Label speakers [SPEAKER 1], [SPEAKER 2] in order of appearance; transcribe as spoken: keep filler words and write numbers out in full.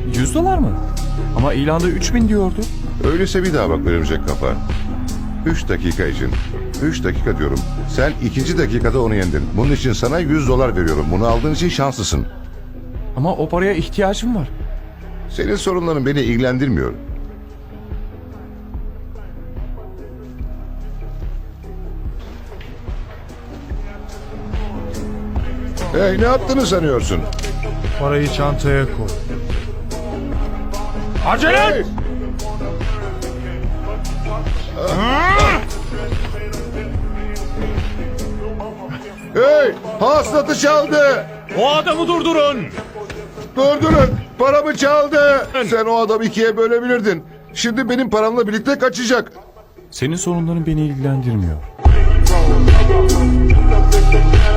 [SPEAKER 1] Yüz dolar mı? Ama ilanda üç bin diyordu.
[SPEAKER 2] Öyleyse bir daha bak örümcek kafa. Üç dakika için. Üç dakika diyorum. Sen ikinci dakikada onu yendin. Bunun için sana yüz dolar veriyorum. Bunu aldığın için şanslısın.
[SPEAKER 1] Ama o paraya ihtiyacım var.
[SPEAKER 2] Senin sorunların beni ilgilendirmiyor. Hey, ne yaptığını sanıyorsun?
[SPEAKER 3] Parayı çantaya koy.
[SPEAKER 1] Acele et!
[SPEAKER 2] Hey! Hey! Hasılatı çaldı!
[SPEAKER 1] O adamı durdurun!
[SPEAKER 2] Durdurun! Paramı çaldı! Sen o adamı ikiye bölebilirdin. Şimdi benim paramla birlikte kaçacak.
[SPEAKER 1] Senin sorunların beni ilgilendirmiyor.